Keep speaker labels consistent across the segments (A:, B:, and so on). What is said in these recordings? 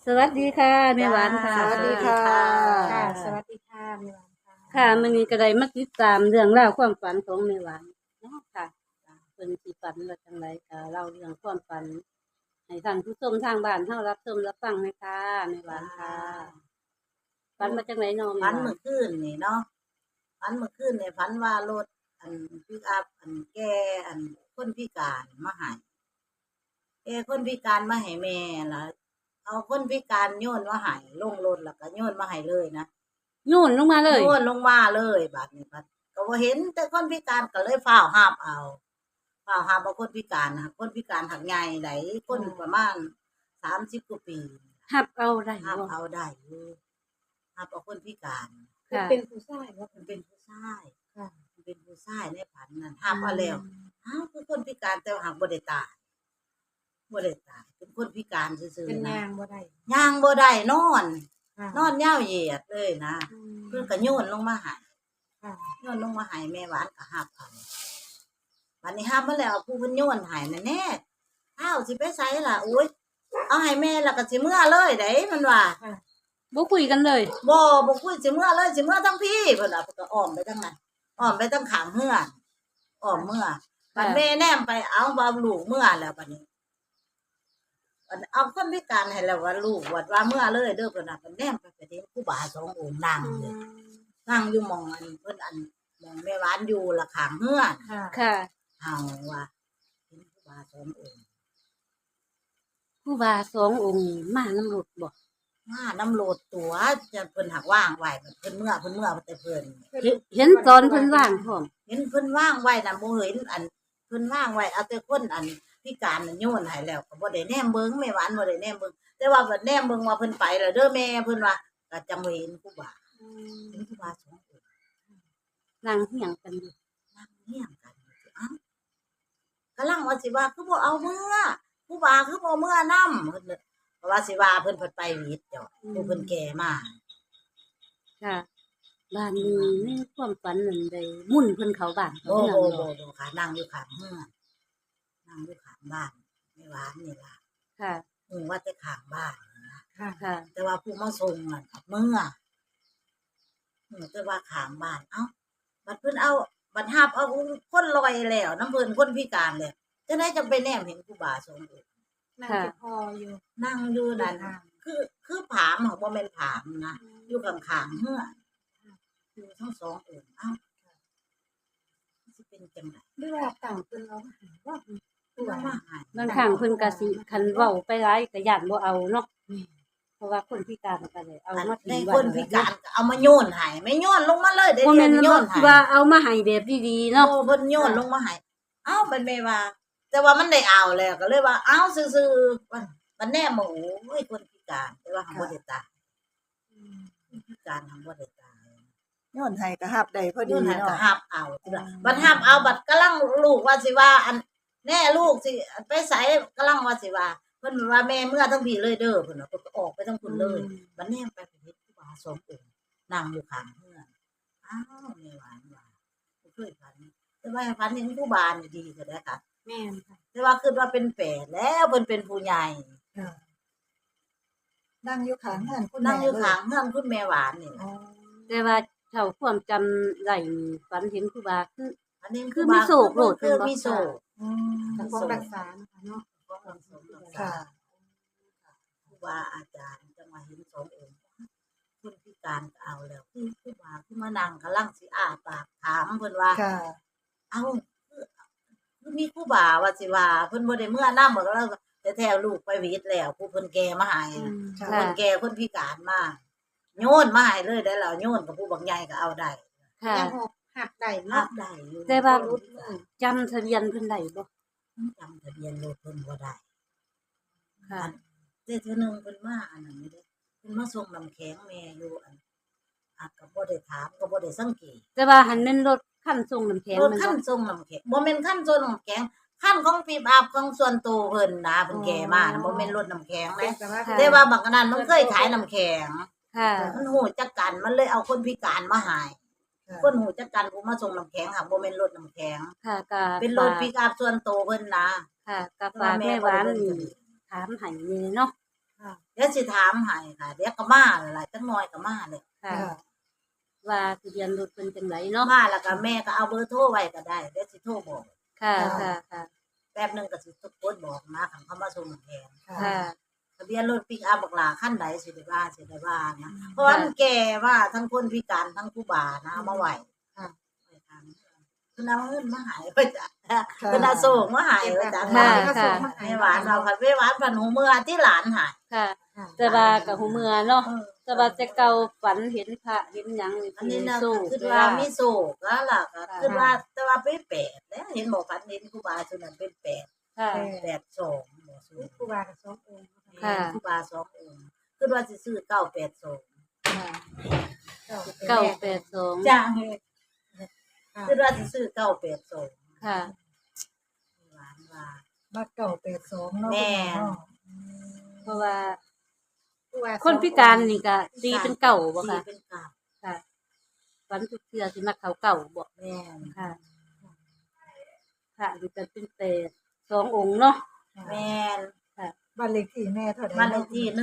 A: สวัสดีค่ะแม่หวานค่ะ
B: จ้า
C: สวัสดีค่ะ
B: ค่ะสวัสดีค่ะแม่หวานค่ะ
A: ค่ะมื้อนี้ก็ได้มาติดตามเรื่องราวความฝันของแม่หวานเนาะค่ะเพิ่นสิฝันว่าจังไดก็เล่าเรื่องความฝันให้ท่านผู้ชมทางบ้านเฮารับชมรับฟังเลยค่ะแม่หวานค่ะฝันว่าจังไดเนาะ
C: ฝั
A: แม่
C: น
A: หวา
C: เมื่
A: น
C: อคืนนี่เนาะฝันเมื่อคืนนี่ฝันว่ารถปิกอัพแกคนพิการมาให้แกคนพิการมาให้แม่ล่ะเอาคนพิการโยนมาให้ลงรถแล้วก็โยนมาให้เลยนะ
A: โยนลงมาเลย
C: โยนลงมาเลยบัดนี้บัดก็บ่เห็นแต่คนพิการก็เลยฟ้าวหาบเอาคนพิการนะคนพิการหักใหญ่ไหนคนประมาณ30กว่าปี
A: หับเอาได้
C: หาบ
A: บ่
C: เอาได้อยู่หาบเอาคนพิการ
A: ค่ะ
B: เป็นผู้ชายว่า
C: มันเป็นผู้ชาย
B: ค่ะ
C: มันเป็นผู้ชายในฝันนั่นห้ามเอาแล้วอ้าวคือคนพิการแต่ว่าหากบ่ได้ตายเป็นคนพิการซื่อ
B: เป็น
C: ๆนะ
B: ยางบ่ได้
C: ย่างบ่ได้นอน
B: ค่ะ
C: นอนยาวเหยียดเลยนะ
B: อืม
C: เพิ่นก็โยนลงมาให้
B: ค่ะ
C: โยนลงมาให้แม่หวานก็หับเอาบัดนี้หับมาแล้วผู้เพิ่นโยนให้นั่นแน่อ้าวสิไปไสล่ะโอ๊ยเอาให้แม่แล้วก็สิเมื่อเลยเด้มันว่า
B: ค่ะ
A: บ่คุยกันเลย
C: บ่คุยสิเมื่อเลยสิเมื่อทั้งพี่เพิ่นน่ะเพิ่นก็อ้อมไปทางนั้นอ้อมไปทางข้างเฮือนอ้อมเมื่อบัดแม่แนมไปเอาบ่ลูกเมื่อแล้วบัดนี้บัดเอาคนพิการให้แล้วว่าลูกว่าเมื่อเลยเด้อเพิ่นน่ะเพิ่นแนมไปเห็นครูบาสององค์นั่งอยู่นั่งอยู่หม้องเพิ่นหม้องแม่หวานอยู่ละข้างเฮือน
B: ค่ะ
A: ค่ะ
C: เฮาว่าเห็นครูบาสององค์
A: ครูบาสององค์มาน้ำรถบ่
C: มาน้ำโลดตัวจะเพิ่นหักว่างไว้เพิ่นเมื่อแต่เพิ่น
A: เห็นตอนเพิ่นว่างพร้อม
C: เห็นเพิ่นว่างไว้น่ะบ่เห็นเพิ่นว่างไว้เอาแต่คนพิการน่ะโยนให้แล้วก็บ่ได้แนมเบิ่งแม่หวานบ่ได้แนมเบิ่งแต่ว่าบัดแนมเบิ่งว่าเพิ่นไปแล้วเด้อแม่เพิ่นว่าก็จำบ่เห็นครูบาเห็นครูบาสององค์
A: นั่งเฮียงกันอยู่
C: นั่งเฮียงกันอยู่เอ้ากำลังว่าสิว่าคือบ่เอาเมื่อครูบาคือบ่เมื่อนำเพิ่นเพราะว่าสิว่าเพิ่นไปวิทย์จ้ะผู้เพิ่นแก่มา
A: ค่ะบ้านนี้ในความฝันนั่นได้มุ่นเพิ่นเข้าบ้านเขา
C: บ่
A: เมือง
C: บ่
A: บ่
C: บ่ค่ะนั่งอยู่ข้างเฮือนนั่งอยู่ข้างบ้านแม่หวานนี่ล่ะ
A: ค่ะ
C: ว่าแต่ข้างบ้านนะ
B: ค่ะ
A: ค่ะ
C: แต่ว่าผู้มาส่งน่ะเมื่อแต่ว่าข้างบ้านเอ้าบัดเพิ่นเอาบัดหาบเอาคนลอยแล้วน้ำเพิ่นคนพิการแล้วจังได๋จังไปแนมเห็นครูบาสงฆ์อีก
B: นั่งจะพออยู่
C: นั่งอยู่นั่น
B: ค่ะ
C: คือผามของบ่แม่นผามนะอยู่ข้างๆเฮือนอยู่ทั้งสององค์เอ้าสิเป็นจังได๋
B: หรือว่าต่างเป็นเราว่าผู้ว่า
C: ว่าหาย
A: บางครั้งเพิ่นก็สิคันเว้าไปหลายก็ย่านบ่เอาเนาะเพราะว่าคนพิการก็เลยเอามา
C: ใน
A: ทิ้ง
C: คน
A: ไว้
C: พิการก็เอามาโยนให้ไม่โยนลงมาเลยเด้
A: บ่แม่น
C: โย
A: ว่าน
C: ให้
A: ว่าเอามาให้แบบดีๆ
C: เนาะ
A: เนาะ
C: เพิ่นโยนลงมาให้เอ้าเป็นแม่ว่า แต่ว่ามันได้เอาแล้วก็เลยว่าเอ้าซื่อๆมันแน่หมูโอ้ยคนพิการแต่ว่าหังบ่ได้ตายคนพิการหังบ่ได้ตาย
D: ย้อนให้ก็ฮับได้พอ
C: โย
D: ดี
C: นให้ก็
D: เนาะ
C: หับเอาบัดหับเอาบัดกำลังลูกว่าสิว่าแน่ลูกสิไปไสกำลังว่าสิว่าเพิ่นว่าแม่เมื่อทั้งพี่เลยเด้อเพิ่นน่ะเพิ่นก็ออกไปทั้งคุณเลยบัดแนมไปเห็นครูบาสององค์นั่งอยู่ข้างเฮือนอ้าวแม่หวานว่าบ่เคยฝันแต่ว่าฝันเห็นครูบานี่ดีก็ได้ค่ะ
B: แม่นค่ะ
C: แต่ว่าคิดว่าเป็นแฝดแล้วเพิ่นเป็นผู้ใหญ่
D: ค่ะนั่งอยู่ข้างเฮือนคุณ
C: นั่งอยู่
D: แม่
C: ข้างเฮือนคุณแม่หวานนี่
D: อ๋อ
A: แต่ว่าเท่าความจำได้นี่ฝันเห็นครูบาคือ
C: อันนี้
A: คือมีโศกโลด
C: คือ
A: เป็นบ่
C: มีโศก
D: อืม
B: แต่ของรักษานะคะเนาะ
D: ค่ะ
C: ครูบาอาจารย์จะมาเห็นสององค์คนพิการก็เอาแล้วคือครูบาคือมานั่งกำลังสิอ้าปากถามเพิ่นว่า
D: ค่ะ
C: เอาคือมีครูบาว่าสิว่าเพิ่นบ่ได้เมื่อนำบ่แล้วแต่แท้ลูกไปวิทย์แล้วผู้เพิ่นแก่มาให้น่ะ
D: ค่ะ
C: คนแก่คนพิการมาโยนมาให้เลยได้แล้วโยนกับผู้บักใหญ่ก็เอาได้
A: ค่ะ
B: ยังหักได้
C: รั
B: เนาะ
C: บได้อยู่
A: แต่ว่าจำทะเบียนเพิ่นได้บ่
C: จำทะเบียนรถเพิ่นบ่ได้
A: ค่ะ
C: แต่เทื่อหนึงเพิ่นมาอันนั้นนี่เด้เพิ่นมาส่งน้ำแข็งแม่อยู่ก็บ่ได้ถามก็บ่ได้สังเกต
A: แต่ว่าหันแม่นรถคันส่งน้ำแข็ง
C: รถ
A: มัน
C: คั
A: บ่
C: นส่งน้ำแข็งบ่แม่นคันส่งน้ำแข็งคันของปีบอาบของส่วนตัวเพิ่นนะเพิ่นแก่มานะบ่แม่นรถน้ำแข็ง
B: เป็น
C: นะ
B: แต่ว่า
C: แต่ว่าบักอันนั้นมันเคยขายน้ำแข็ง
A: ค่ะ
C: มันฮู้จักกันมันเลยเอาคนพิการมาให้
D: ค่ะ
C: คนฮู้จักกันผู้มาส่งน้ำแข็งค่ะบ่แม่นรถน้ำแข็ง
A: ค่ะก็
C: เป็นรถปิกอัพส่วนตัวเพิ่นนะ
A: ค่ะก็ฝากแม่หวานนี่ถามให้นี่เนาะ
B: ค่ะ
C: เดี๋ยวสิถามให้ค่ะเดี๋ยวก็มาแล้วล่ะจังน้อยก็มาเลย
A: ค่ะ
D: ค่ะ
A: ว่าทะเบียนรถเป็นจังไดเนาะ
C: มาแล้วก็แม่ก็เอาเบอร์โทรไว้ก็ได้เดี๋ยวสิโทรบอก
A: ค่ะ
D: ค่ะ
A: ค่ะค่ะ
C: แป๊บหนึงก็สิกดบอกนะคันเขามาส่งแทน
D: ค่ะ
A: ค่ะ
C: ทะเบียนรถปิกอัพบักหลาคันใดสิได้ว่านะเพราะว่ามันแก่ว่าทั้งคนพิการทั้งผู้บ่านะเอามาไหว
B: ค่ะ
C: คือเอาเงินมาใหายไปจ้ะคือเอาส่งมาใหายไปจ้ะ
A: ค่ะ
C: ไม่หวานเราค่ะไม่หวานพันหูเมื่อที่หลานหาย
A: ค่ะ
B: ค่ะ
A: แต่ว่ากับหูเมือเนาะ
C: เออ
A: แต่ว่าแต่เก่าฝันเห็นพระเห็นหยังนี่
C: อันนี้นะ
A: สู้
C: คือ
A: เว
C: ว่า
A: ลา
C: มีโศกแล้วล่ะก็คือว่าแต่ว่าเป็นแปดแล้วเห็นบอกพันเห็นครูบาส่วนนั้นเป็นแปด
A: ค่ะ
C: 82บอกสู
B: ครูบากับสององค์
A: ค่ะ
C: ครูบา2องค์คือว่าสิซื้อ982
A: ค่ะ
B: เก้า
A: 982
C: จ้า
B: ค่ะ
C: คือว่าสิซื้อ982
A: ค่ะ
C: หวานว่า
D: มาเก่า82เนาะ
C: แม่
D: เนาะ
A: เพราะว่า
B: ครูบา
A: คนพิการนี่ก็ตีเป็นเก่าบ่
C: ตี
A: ค่ะ
C: เป็นเก่า
A: ค่ะฝันทุกเทื่อสิมักเขาเก่าบ่
C: แม่น
A: ค่ะ ค่ะนี่ก็เป็นเปรต2องค์เนาะ
C: แม่น
D: บ้านเลขที่แม่เท่าใด
C: บ้านเล
D: เนาะ
C: ขที่127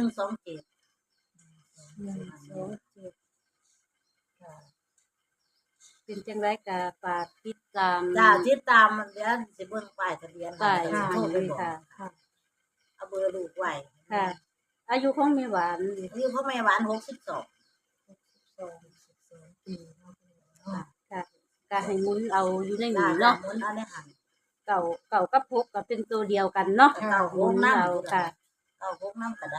D: ค่ะ
A: เป็นจังไดก็ฝากติดตาม
C: จ้าติดตามมันเดี๋ยวสิเบิ่งป้ายทะเบียน
A: ป้าย
C: ให้
A: ให้
C: โทรไปบอก
A: ค่ะ
B: ค่ะ
C: เอาเบอร์ลูกไว้
A: ค่ะ อายุของแม่หวานนี่
C: อายุพ่อแม่หวาน62
D: 12ปีเนาะเนาะ
A: ค่ะก็ให้หมุนเอาอยู่ใน
C: จ้า
A: นี้
C: เนาะ
A: เนาะ
C: หมุนเอาในหัน
A: เก่ากับพกก็เป็นตัวเดียวกันเนาะ
C: เก่า
A: หมุน
C: น้ำ
A: เอาค่ะ
C: เก่าพกน้ำก็ได้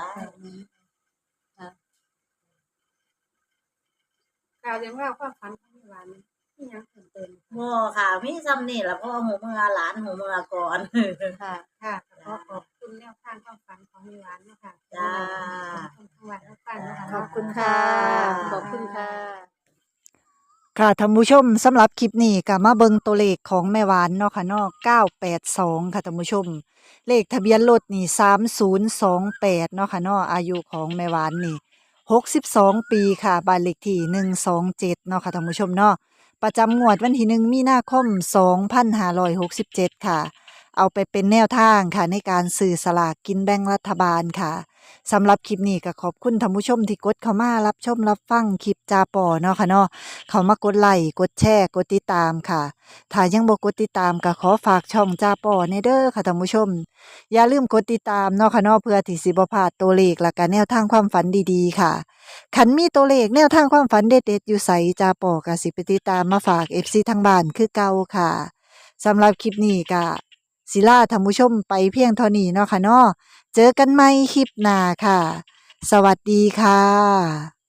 B: กล่าวเรื่องราวความฝันของแม่หวานที่ยังเพิ่มเติม
C: บ่ค่ะมีซ้ำนี่ล่ะเพราะว่าหูเมือหลานหูเมือก่อน
A: ค่ะ
B: ค่ะขอขอบคุณแนวทางความฝันของแม่หวานเนาะค่ะ
C: จ้า
B: ขอบคุณทั้งวันทั้งฝันเนาะค่ะ
D: ขอบคุณ
A: ค่ะ
D: ค่ะ
A: ขอบคุณค่ะ
D: ค่ะท่านผู้ชมสำหรับคลิปนี้ก็มาเบิ่งตัวเลขของแม่หวานเนาะค่ะเนาะ982ค่ะท่านผู้ชม เลขทะเบียนรถนี่3028เนาะค่ะเนาะอายุของแม่หวานนี่62ปีค่ะบ้านเลขที่127เนาะค่ะท่านผู้ชมเนาะประจำงวดวันที่1มีนาคม2567ค่ะ เอาไปเป็นแนวทางค่ะในการสื่อสลากกินแบ่งรัฐบาลค่ะสำหรับคลิปนี้ก็ขอบคุณท่านผู้ชมที่กดเข้ามารับชมรับฟังคลิปจาปอเนาะค่ะเนาะเข้ามากดไลค์กดแชร์กดติดตามค่ะถ้ายังบ่กดติดตามก็ขอฝากช่องจาปอในเด้อค่ะท่านผู้ชม อย่าลืมกดติดตามเนาะค่ะเนาะเพื่อที่สิบ่พลาดตัวเลขและก็แนวทางความฝันดีๆค่ะคันมีตัวเลขแนวทางความฝันเด็ดๆอยู่ไสจาปอก็สิไปติดตามมาฝาก FC ทางบ้านคือเก่าค่ะสำหรับคลิปนี้ก็ศิลาท่านผู้ชมไปเพียงเท่านี้เนาะค่ะเนาะเจอกันใหม่คลิปหน้าค่ะ สวัสดีค่ะ